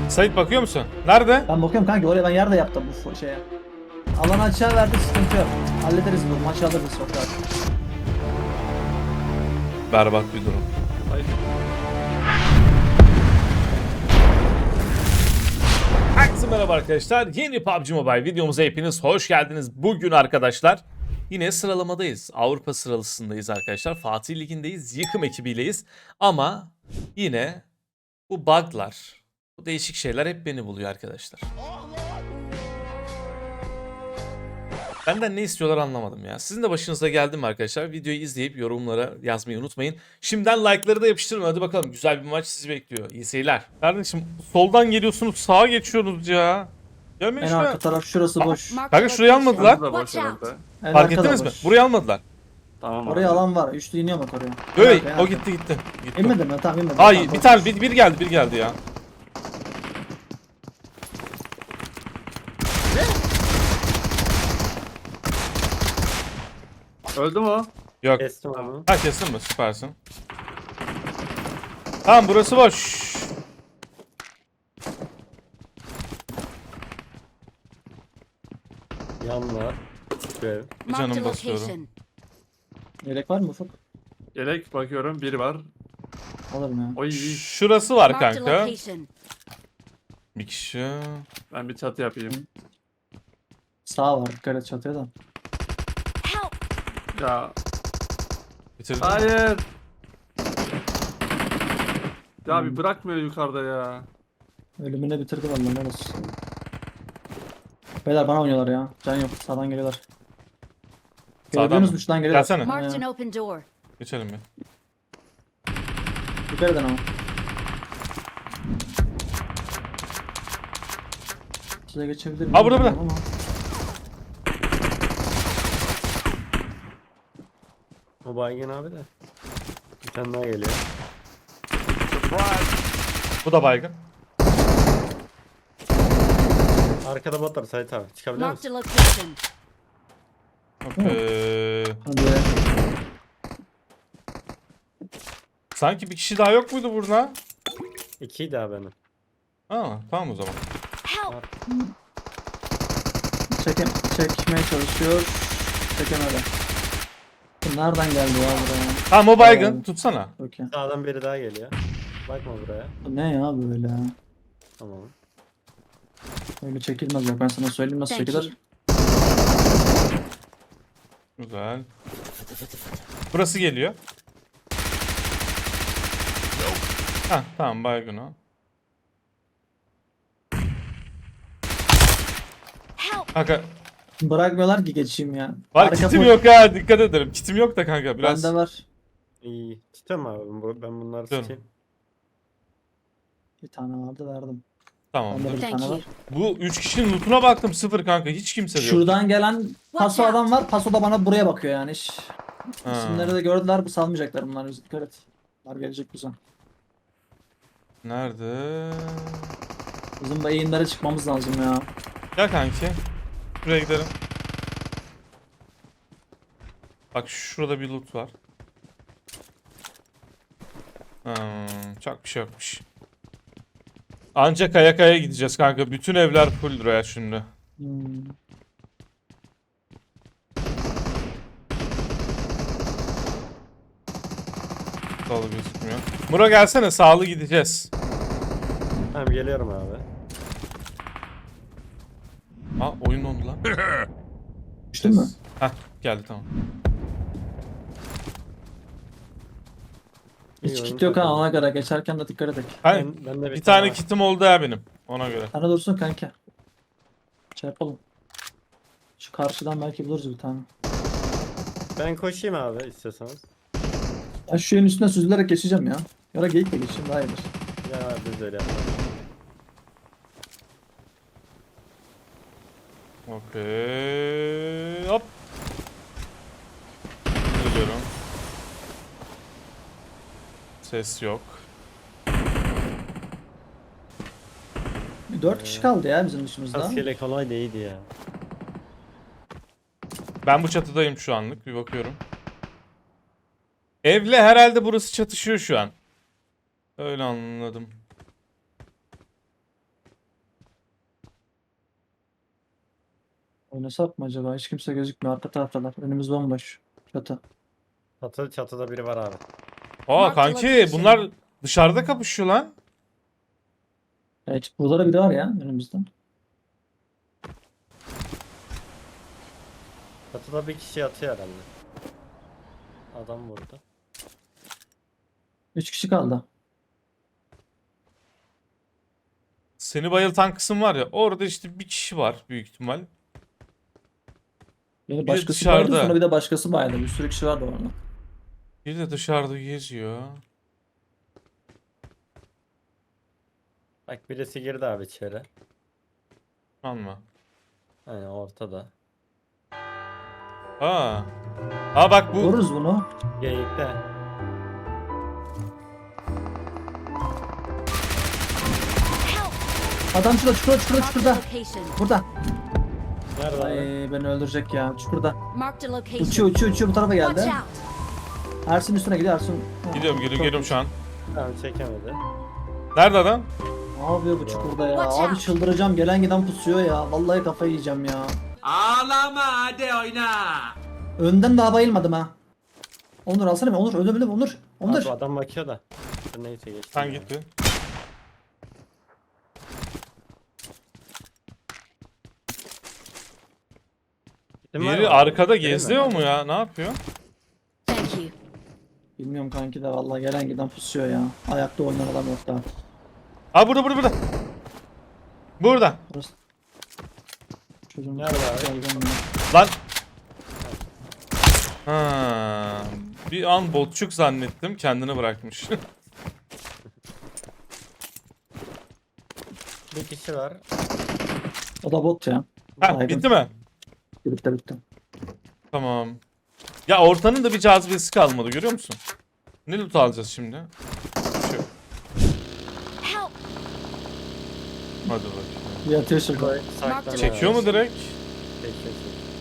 Sait bakıyor musun? Nerede? Ben bakıyorum kanka oraya ben yer de yaptım bu şeye. Alanı açığa verdik sıkıntı yok. Hallederiz bu maçı alırız çok rahat. Berbat bir durum. Hayır. Herkese merhaba arkadaşlar. Yeni PUBG Mobile videomuza hepiniz hoş geldiniz. Bugün arkadaşlar yine sıralamadayız. Avrupa sıralısındayız arkadaşlar. Fatih Ligi'ndeyiz. Yıkım ekibiyleyiz. Ama yine bu bug'lar, bu değişik şeyler hep beni buluyor arkadaşlar. Benden ne istiyorlar anlamadım ya. Sizin de başınıza geldi mi arkadaşlar? Videoyu izleyip yorumlara yazmayı unutmayın. Şimdiden like'ları da yapıştırın. Hadi bakalım, güzel bir maç sizi bekliyor. İyi seyirler. Kardeşim soldan geliyorsunuz, sağa geçiyorsunuz ya. Gelmeyin En şuraya. arka taraf şurası boş. Kanka şurayı almadılar. Şurası da boş herhalde. En Fark arka da ettiniz mi? boş. Burayı almadılar. Tamam Oraya abi. alan var. Üçlü iniyor bak oraya. En Öyle arka, en o arka. gitti. Gitti. İnmedi mi? Tamam inmedi. Ay Tamam, bir boş. tane bir geldi ya. Öldü mü o? Yok. Kestim onu. Ha kesin mi? Süpersin. Tamam burası boş. Yan var. Görev. Bir canım basıyorum. Yelek var mı Ufuk? Yelek bakıyorum. Biri var. Alırım ya. Oy. Şurası var kanka. Bir kişi. Ben bir çatı yapayım. Sağ var. Dikkat et çatıya da. Ya. Bitirdim. Hayır. Ya bir bırakmıyor yukarıda ya. Ölümüne bitirdi vallahi ne olsun. Beyler bana oynuyorlar ya. Can yok. Sağdan geliyorlar. Sağdan Gördüğünüz mı? mü? Şuradan geliyorlar. Gelsene. Marked an Ha, open door. Geçelim ya. dikkat edin ama. Size geçebilir miyim? Ha, burada, burada. Bilmiyorum ama. O baygın abi de. Bir tane daha geliyor. Bu da baygın. Arkada bot var Sait abi. Çıkabilir Marked misin? a location. Hadi. Sanki bir kişi daha yok muydu burada? İkiydi abi benim. Ha, tamam o zaman. Help! Çekmeye çalışıyor. Çekemedi. Bu nereden geldi ya buraya? Tamam o baygın. Tutsana. Okey. Sağdan biri daha geliyor. Bakma buraya. Bu ne ya böyle? Tamam. Öyle çekilmez bak ben sana söyleyeyim nasıl Thank çekilir. you. Güzel. Burası geliyor. Ha tamam baygın o. Help! Kanka Bırakmıyorlar ki geçeyim ya. var Arka kitim full- yok ha, dikkat ederim. Kitim yok da kanka biraz. Bende var. İyi. Tutuyorum abi. Ben bunları Tutuyorum. tutayım. Bir tane vardı verdim. Tamam. Bende de bir Thank tane you. var. Bu 3 kişinin lootuna baktım, sıfır kanka, hiç kimse yok. Şuradan gelen paso out. adam var. Paso da bana buraya bakıyor yani. Ha. İsimleri de gördüler. Bu salmayacaklar bunlar. Dikkat et. Bunlar gelecek bize. Nerede? Bizim bu eğimlere çıkmamız lazım ya. Gel kanki. Şuraya gidelim. Bak şurada bir loot var. Çok bir şey yokmuş. Ancak kaya kaya gideceğiz kanka. Bütün evler full ya şimdi. Hmm. Dolu gözükmüyor. Muro gelsene, sağlı gideceğiz. Tamam geliyorum abi. Ha oyun dondu lan. Düştün mü? Heh geldi tamam. Hiç İyi, kit oyun yok ha takıldı. ona göre. Geçerken de dikkat edek. Hayır, Ben de bir tane var. kitim oldu ya benim. Ona göre. Sana dursun kanka. Şey yapalım. Şu karşıdan belki buluruz bir tane. Ben koşayım abi istiyorsanız. Ben şu şeyin üstüne süzülerek geçeceğim ya. Ya da geyikle geçeyim daha iyidir. Ya biz de öyle yapalım. Okey. Hop. Geliyorum. Ses yok. 4 kişi kaldı ya bizim dışımızda. Rastgele kolay değildi ya. Ben bu çatıdayım şu anlık. Bir bakıyorum. Evle herhalde burası çatışıyor şu an. Öyle anladım. Oynasak mı acaba? Hiç kimse gözükmüyor. Arka taraftalar. Önümüz bomboş. Çatı. Çatıda biri var abi. Aa Mark the kanki location. bunlar dışarıda kapışıyor lan. Evet, burada da biri var ya önümüzde. Çatıda bir kişi yatıyor herhalde. Adam burada. 3 kişi kaldı. Seni bayıltan kısım var ya orada işte bir kişi var büyük ihtimal. Biri de başkası vardı, dışarıda. sonra bir de başkası bayıldı. Bir sürü kişi vardı orada. Bir de dışarıda geziyor. Bak birisi girdi abi içeri. Anma. Aynen ortada. Aa. Aa bak bu. Vururuz bunu. Geyikte. Help! Adam şurada, çukurda. Marked a location. Burada. Nerede Ay abi? beni öldürecek ya. Çukurda. Marked a location. Uçuyor bu tarafa Watch geldi. out! Ersin üstüne gidiyor Ersin. Gidiyorum şu an. Tamam çekemedi. Nerede adam? Ne yapıyor bu çukurda ya? Watch Abi out. çıldıracağım. Gelen giden pusuyor ya. Vallahi kafayı yiyeceğim ya. Ağlama hadi oyna. Önden daha bayılmadım ha. Onur alsana bir. Onur öldüm Onur. Onur. Abi adam bakıyor da. Dur neyse geçti. Sen gitti. Biri arkada geziyor mu ya? Ne yapıyor? Thank you. Bilmiyorum kanki de vallahi gelen giden pusuyor ya. Ayakta oynayan adam yok daha. Aa burada. Burada. Burası. Çocuğun Nerede abi? Geldim ya. Lan. Ha. Bir an botçuk zannettim. Kendini bırakmış. Bir kişi var. O da bot ya. Ha, Baygın. bitti mi? Bitti. Tamam. Ya ortanın da bir cazibesi kalmadı görüyor musun? Ne loot alacağız şimdi? Şu. Help! Hadi bakayım. Bir atıyor şurada. Saklanıyor Çekiyor abi. mu direkt? Çekiyor.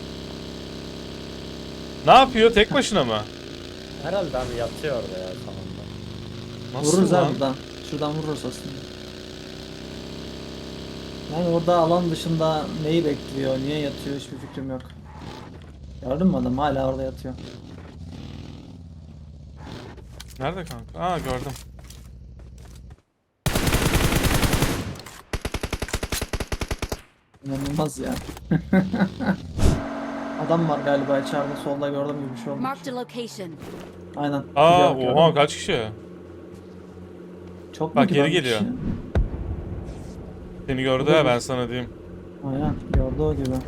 Ne yapıyor? Tek başına mı? Herhalde abi yatıyor orada ya salonda. Nasıl Vururuz lan? ha buradan. Şuradan vururuz aslında. Yani orada alan dışında neyi bekliyor, niye yatıyor hiçbir fikrim yok. Gördün mü adam hala orada yatıyor. Nerede kanka? Aa gördüm. İnanılmaz ya. Adam var galiba içeride solda gördüm gibi bir şey oldu. Marked a location. Aynen. Aa Gidiyor, oha gördüm. kaç kişi? Çok Bak, mu geri kibar bir geliyor. kişi? Seni gördü ya ben sana diyeyim. Aynen gördü o gibi.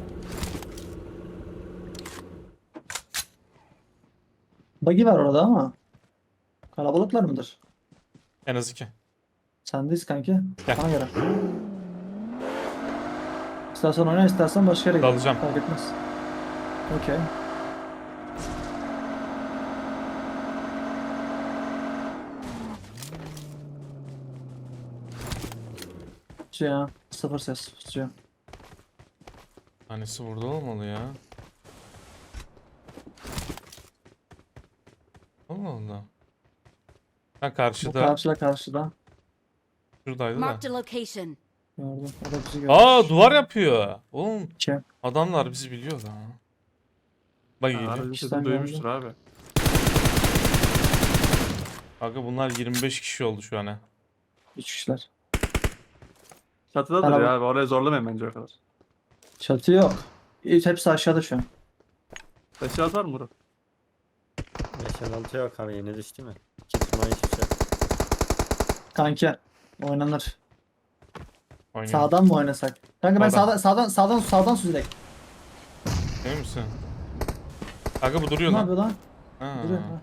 Buggy var orada ama. Kalabalıklar mıdır? En az 2. Sendeyiz kanki. Gel. Bana göre. İstersen oyna istersen başka yere gidelim. Dalacağım. Fark etmez. Okey. Ya sıfır ses tutuyor. Tanesi burada olmalı ya. Allah Allah. Ha Bu karşıda. karşıda. Şuradaydı da. Marked a location. Gördüm. O da bizi gördü. Aa duvar yapıyor. Oğlum Kim? adamlar bizi biliyor da. Bak Abi geliyor. bizim İşten sesini duymuştur abi. Kanka bunlar 25 kişi oldu şu an ha. 3 kişiler. Çatıda Tamam. duruyor abi. Oraya zorlamayın bence o kadar. Çatı yok. Hepsi aşağıda şu an. Taşı atar mı Murat? 5-6 yok abi yeni düştü mü? Kitman hiçbir şey. Kanki oynanır. Oynuyor. Sağdan mı oynasak? Kanka ben Sağdan. sağdan süzerek. Emin misin? Kanka bu duruyor Ne lan. yapıyor lan? Ha. Duruyor. Ha.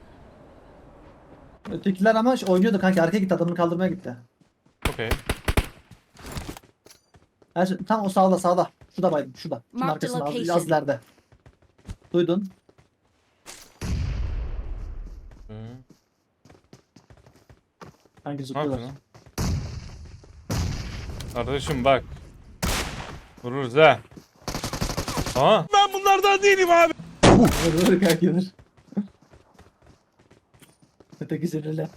Ötekiler ama oynuyordu kanka arkaya gitti adamını kaldırmaya gitti. Okey. Tam o sağda. Şurada baydım şurada. Şunun Mark the arkasında az location. ileride. Duydun. Kanki Ne zıplıyorlar. yapıyorsun? Kardeşim bak. Vururuz ha. Aha. Ben bunlardan değilim abi. Vur kanki vur. Öteki sinirli.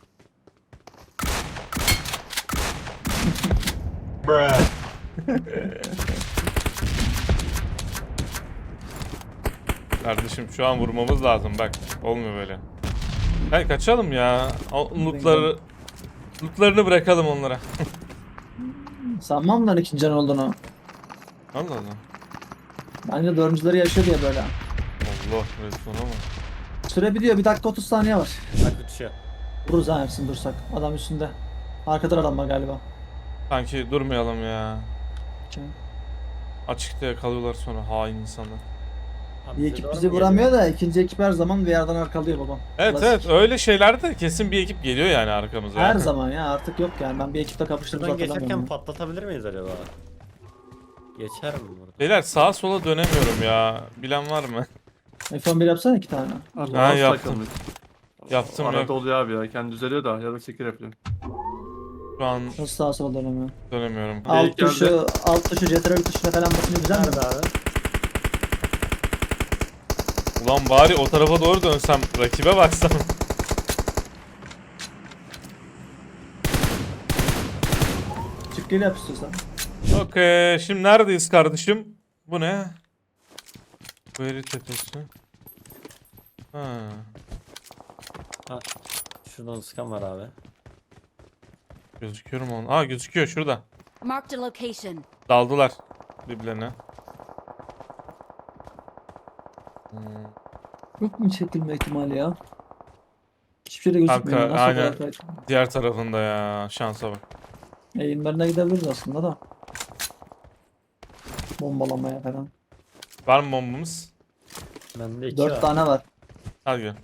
Kardeşim şu an vurmamız lazım bak. Olmuyor böyle. Hadi kaçalım ya. Lootlarını bırakalım onlara. Sanmam lan ikinci can olduğunu. Allah Allah. Bence dördüncüleri yaşıyor diye böyle. Allah resmen ama. Süre biliyor, 1 dakika 30 saniye var. Bak uçuyor. Vururuz ha hepsini dursak. Adam üstünde. Arkada adam var galiba. Sanki durmayalım ya. Kim? Açıkta yakalıyorlar sonra hain insanlar. Abi Bir bize ekip doğru bizi mu vuramıyor da ikinci ekip her zaman bir yerden arkalıyor babam. Evet Klasik. evet öyle şeylerde kesin bir ekip geliyor yani arkamıza. Her zaman ya, artık yok yani, ben bir ekiple kapıştığımı Şuradan geçerken hatırlamıyorum. patlatabilir miyiz acaba? Geçer mi burada? Beyler sağa sola dönemiyorum ya. Bilen var mı? F11 yapsana 2 tane. Allah yaptım. takılmış. Yaptım Arada yok. oluyor abi ya. Kendi düzeliyor da ya da çekir yapıyor. Şu an Nasıl sağa sola dönemiyor. dönemiyorum. Alt geldi. tuşu, CTRL tuşuna falan basınca güzel mi? Nerede abi? Ulan bari o tarafa doğru dönsem rakibe baksam. Çık gel yap istiyorsan. Okey şimdi neredeyiz kardeşim? Bu ne? Bu eri tepesi. Ha. Şuradan sıkan var abi. Gözüküyor mu onun? Aa gözüküyor şurada. Marked a location. Daldılar birbirlerine. Yok mu çekilme ihtimali ya? Hiçbir şey de gözükmüyor. Kanka, Nasıl aynen. o kadar kayıt? Diğer tarafında ya şansa bak. Eğimlerine gidebiliriz aslında da. Bombalamaya falan. Var mı bombamız? Bende 2 4 var. tane var. Hadi gel.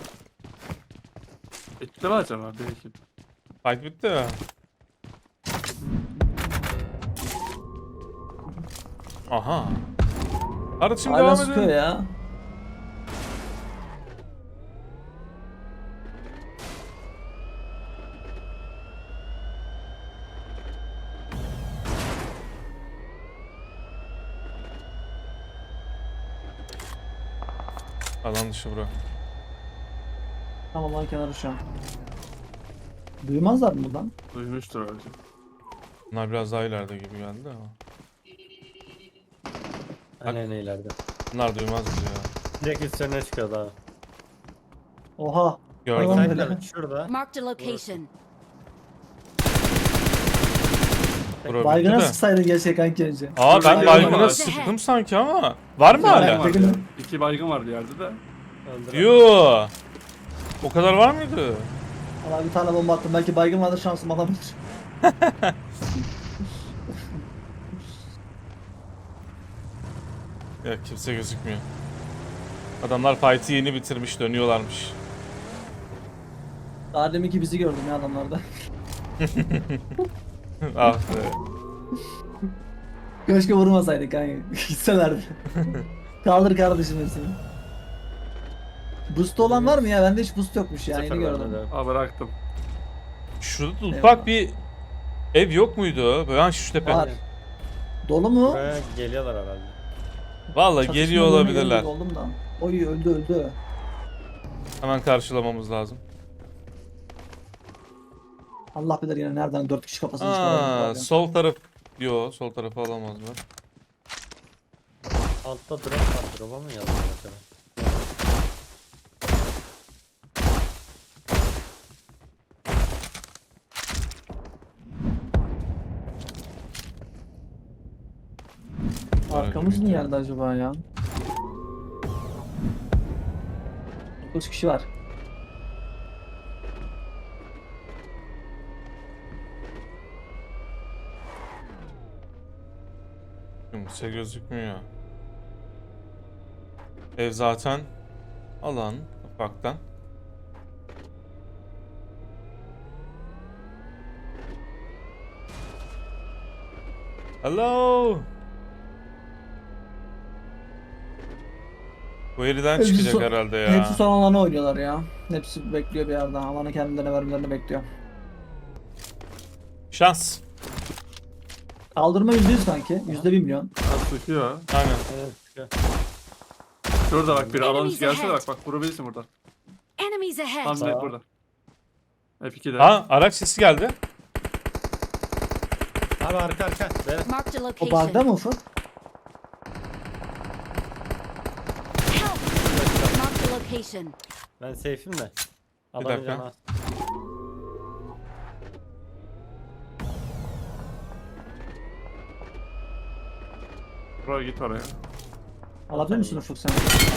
Ekipte mi acaba? Bir ekip. Fight bitti ya. Aha. Kardeşim Hala devam sıkıyor edin. ya. Alan dışı bro. Tamam lan kenarı şu an. Duymazlar mı buradan? Duymuştur abi. Bunlar biraz daha ileride gibi geldi ama. Aynen ileride. Bunlar duymaz bizi ya. Direkt üstlerine çıkıyordu abi. Oha. Gördüm. Tamam. Sayıklar böyle. şurada. Marked a location. Bro, Baygına bitti de. sıksaydın gerçek kanki önce. Aa ben Baygın baygına var. sıktım sanki ama. Var mı Baygın hala? var. Vardı ya. 2 baygın vardı yerde de. Öldürelim. Yoo. O kadar var mıydı? Valla bir tane bomba attım. Belki baygın vardır, şansım alabilir. Ya kimse gözükmüyor. Adamlar fight'i yeni bitirmiş dönüyorlarmış. Daha deminki bizi gördüm ya adamlarda. Ah be. Keşke vurmasaydık kanka. Gitselerdi. Kaldır kardeşim hepsini. Boost olan var mı ya? Bende hiç boost yokmuş ya. Sıfır Yeni bende gördüm. de. Aa bıraktım. Şurada Eyvallah. ufak bir ev yok muydu? Böyle hani şu tepe. Var. Dolu mu? Buraya geliyorlar herhalde. Valla Çatışma geliyor bölümüne olabilirler. geldik, oldum da. Oy öldü. Hemen karşılamamız lazım. Allah bilir yine nereden 4 kişi kafasını Aa, çıkarıyor. sol taraf. Yo sol tarafı alamazlar. Altta drop var. Drop'a mı yazıyor acaba? Arkamız niye geldi acaba ya? 9 kişi var. Kimse gözükmüyor. Ev zaten alan ufaktan. Hello. Bu yerden Hepsi çıkacak son- herhalde ya. Hepsi son alana oynuyorlar ya. Hepsi bekliyor bir yerde. Alanı kendilerine vermelerini bekliyor. Şans. Kaldırma %100 kanki. %1 milyon. Az sıkıyor. Aynen. Evet çıkıyor. Şurada bak bir alan Enemies gelse ahead. bak vurabilirsin burada. Enemies Tam ahead. Sağ. direkt burada. F2'de. Ha araç sesi geldi. Abi arka. Beyler. Marked a O bug'da location. mı Ufuk? Help! location. Ben safe'im de. Bir Adamın dakika. canı az. Bro git oraya. Alabilir misin Ufuk sen?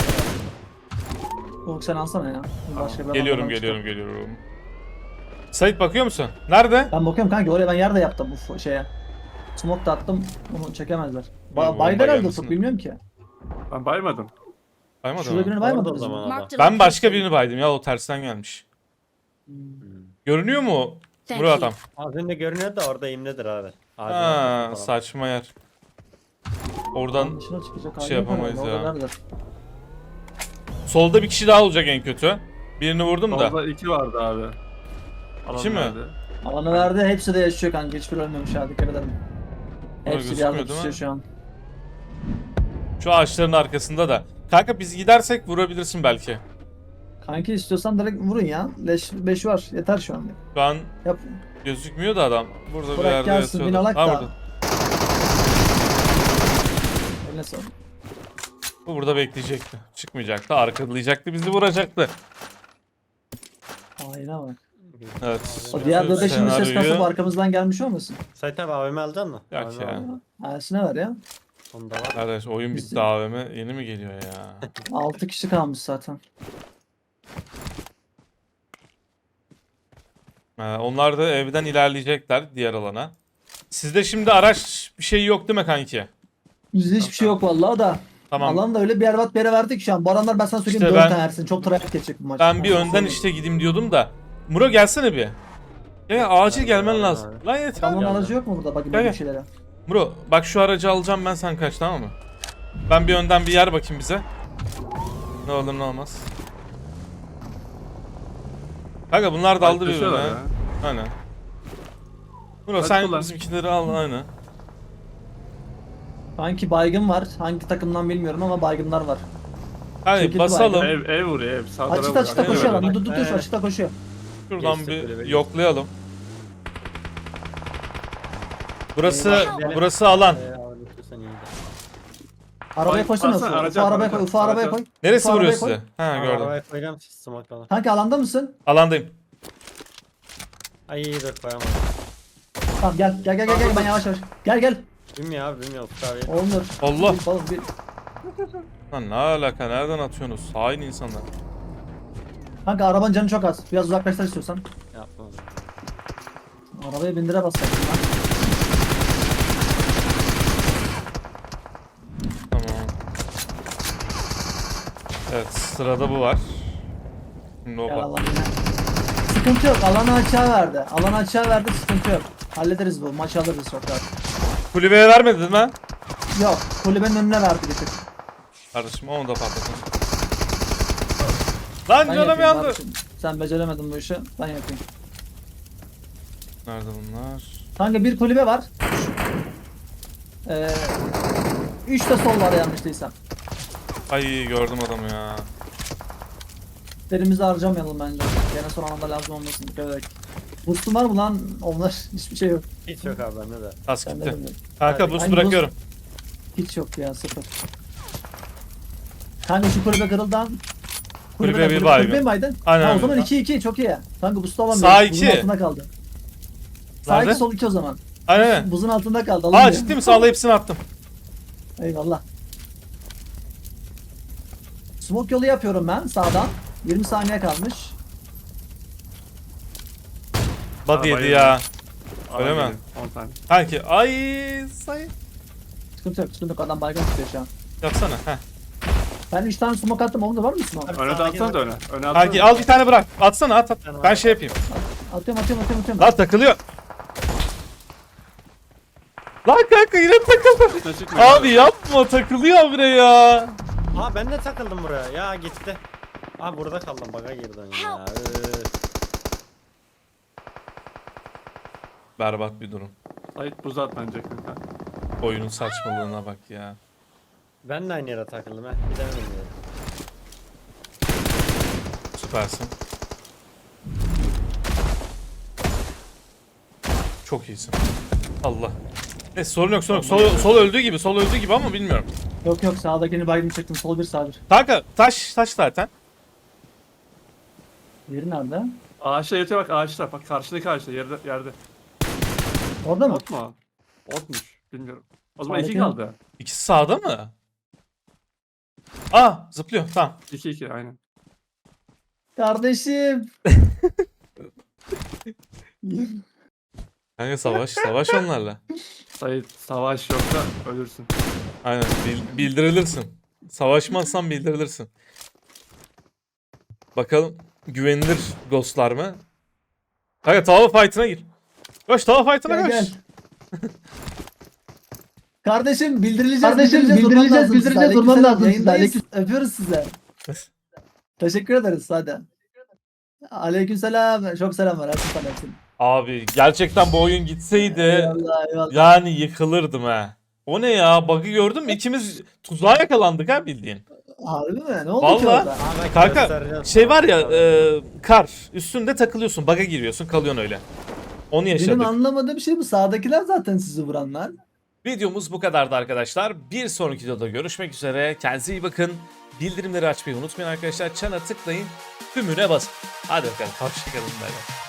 Ufuk sen alsana ya. Başka bir Geliyorum adamdan çıkar. geliyorum. Sait bakıyor musun? Nerede? Ben bakıyorum kanka oraya ben yer de yaptım bu şeye. Smoke da attım onu çekemezler. bomba Baylar herhalde gelmesin. Ufuk bilmiyorum ki. Ben baymadım. Baymadın Şurada mı? birini Orada o baymadınız zaman mı? adam. Marked a Ben başka location. birini baydım ya, o tersten gelmiş. Görünüyor mu Thank Murat you. adam? Az önce görünüyor da orada imledir abi. Ağacın Ha, arkasında falan. saçma yer. Lan Oradan dışına çıkacak şey hali yok yapamayız herhalde, ya. orada neredeler? solda bir kişi daha olacak en kötü. Birini vurdum da. Solda 2 vardı abi. Alan İki mi? nerede? Alanı verdi hepsi de yaşıyor kanka hiçbir ölmemiş ha dikkat edelim. Ama Hepsi bir gözükmüyor yerde değil mi? tutuyor şu an. Şu ağaçların arkasında da. Kanka biz gidersek vurabilirsin belki. Kanki istiyorsan direkt vurun ya. Leş 5 var yeter şu an. Şu an Yap. gözükmüyor da adam. Burada bir Bırak yerde gelsin, yatıyordu. binalak Ha, da. burada. Eline sağlık. Bu burada bekleyecekti. Çıkmayacaktı. Arkalayacaktı. Bizi vuracaktı. Aynen bak. Evet. O diğer Bütün dörde şimdi ses senaryoyu- kasıp arkamızdan gelmiş olmasın? Sait abi AVM alacaksın mı? Yok AVM ya. al. Elsine ver ya. Onda var. Kardeş oyun bitti AVM. Yeni mi geliyor ya? 6 kişi kalmış zaten. Onlar da evden ilerleyecekler diğer alana. Sizde şimdi araç bir şey yok değil mi kanki? Yüzde hiçbir şey yok vallahi da. Tamam. Alan da öyle bir berbat bir yere verdik şu an. Bu alanlar ben sana söyleyeyim İşte 4 ben- tane Ersin. Çok trafik geçecek bu maç. Ben bir Onu önden söyleyeyim. işte gideyim diyordum da. Muro gelsene bir. Ya acil gelmen geldim lazım. abi. Lan yeter. Adamın Geldim. aracı yok mu burada? Bakayım Gel, böyle gel. bir şeylere. Muro bak şu aracı alacağım ben, sen kaç, tamam mı? Ben bir önden bir yer bakayım bize. Ne olur ne olmaz. Kanka bunlar da aldı birbirine. Yaklaşıyorlar ya. Aynen. Muro Hadi sen kullan. bizimkileri al aynen. Sanki baygın var. Hangi takımdan bilmiyorum ama baygınlar var. Hadi Çekildi basalım. baygın. Ev vuruyor ev. Sağ Açıkta tarafa açıkta vuruyor. koşuyor Evet. lan. Dur Evet. açıkta koşuyor. Şuradan Geçti, bir kulübe yoklayalım. Burası Eyvah. burası alan. Abi istiyorsan iyi de. Arabaya Ay, koysana alsana, Ufuk. araca Ufuk at, arabaya araca koy. at, Ufuk arabaya araca koy. at. Neresi Ufuk vuruyor arabaya koy. size? Ha gördüm. Arabaya koyacağım smoke'la. Kanka alanda mısın? Alandayım. Ay iyi dur koyamadım. Tamam gel ben yavaş yavaş. Gel. Bilmiyor abi bilmiyor Ufuk abi. Olmuyor. Allah. Oğlum, bir- Lan ne alaka, nereden atıyorsunuz? Hain insanlar. Kanka arabanın canı çok az. Biraz uzaklaştır istiyorsan. Yapma. Arabaya bindire basacaksın lan. Tamam. Evet, sırada bu var. Şimdi o Gel bak. Allah yine. Sıkıntı yok. Alanı açığa verdi. Alanı açığa verdi. Sıkıntı yok. Hallederiz bu. Maçı alırız çok rahat. Kulübeye vermedin mi? Yok. Kulübenin önüne verdi bir tık. Kardeşim onu da patlatın. Lan Ben canım yapayım yandı. kardeşim. Sen beceremedin bu işi. Ben yapayım. Nerede bunlar? Kanka bir kulübe var. 3 de sol var yanlış değilsem. Ay gördüm adamı ya. Derimizi harcamayalım bence. Gene son anda lazım olmasın. Dikkat edelim. Boost'un var mı lan? Onlar hiçbir şey yok. Hiç yok abi bende de. Tas Ben de gitti. bilmiyorum. Kanka Hadi. boost Aynı bırakıyorum. Hiç yok ya sıfır. Kanka şu kulübe kırıldan. Kulübe bir kulübe baygın. mi baydın? Aynen Ha, o öyle. zaman 2-2 çok iyi. Kanka boost'u alamıyoruz. Sağ Buzun 2. altında kaldı. Sağ Nerede? 2 sol 2 o zaman. Aynen. Buzun altında kaldı. Aa alamıyor. ciddi mi? Sağla hepsini attım. Eyvallah. Smoke yolu yapıyorum ben sağdan. 20 saniye kalmış. Body yedi Arabayı- ya. Öyle Alan mi? gelin, 10 tane. Kanki ay say. Sıkıntı yok. Adam baygın tutuyor şu an. Yapsana. Heh. Ben 3 tane smoke attım. Onun da var mı smoke? Öne de atsana da öne. Öne atsana. Kanki al bir tane bırak. Atsana at. Ben şey yapayım. Atıyorum. Lan takılıyor. Lan kanka yine takıldı. Çıkma, çıkma. Abi yapma, takılıyor buraya ya. Aa ben de takıldım buraya. Ya gitti. Aa burada kaldım baga girdim ya. Berbat bir durum. Sait buz at bence kanka. Oyunun saçmalığına bak ya. Ben de aynı yere takıldım ha. Gidemedim ya. Süpersin. Çok iyisin. Allah. Neyse sorun yok. Sol öldüğü gibi ama bilmiyorum. Yok sağdakini baygın çektim. Sol bir sağ bir. Kanka taş zaten. Yeri nerede? Ağaçta yatıyor bak ağaçta. Bak karşındaki ağaçta yerde. Orada mı? Ot mu? Otmuş. Bilmiyorum. O zaman Harika. 2 kaldı. İkisi sağda mı? Aa zıplıyor tamam. 2-2 aynen. Kardeşim. Kanka savaş onlarla. Sait savaş yoksa ölürsün. Aynen bildirilirsin. Savaşmazsan bildirilirsin. Bakalım güvenilir ghostlar mı? Kanka tava fight'ına gir. Koş tava fight'ına Gel koş. gel. Kardeşim bildirileceğiz. Kardeşim, bildirileceğiz, durman lazım size. Yayındayız. Öpüyoruz size. Teşekkür ederiz hadi. Aleykümselam. Çok selamlar. Aleykümselam. Abi gerçekten bu oyun gitseydi Eyvallah eyvallah. yani yıkılırdım ha. O ne ya? Bug'ı gördün mü? İkimiz tuzağa yakalandık ha bildiğin. Harbi mi? Ne oldu ki Vallahi. orada? Abi Kanka göstereceğim şey sana. var ya kar üstünde takılıyorsun bug'a giriyorsun kalıyorsun öyle. Onu Benim yaşadık. anlamadığım şey bu. Sağdakiler zaten sizi vuranlar. Videomuz bu kadardı arkadaşlar. Bir sonraki videoda görüşmek üzere. Kendinize iyi bakın. Bildirimleri açmayı unutmayın arkadaşlar. Çana tıklayın. Tümüne basın. Hadi bakalım. Hoşçakalın. Bay bay.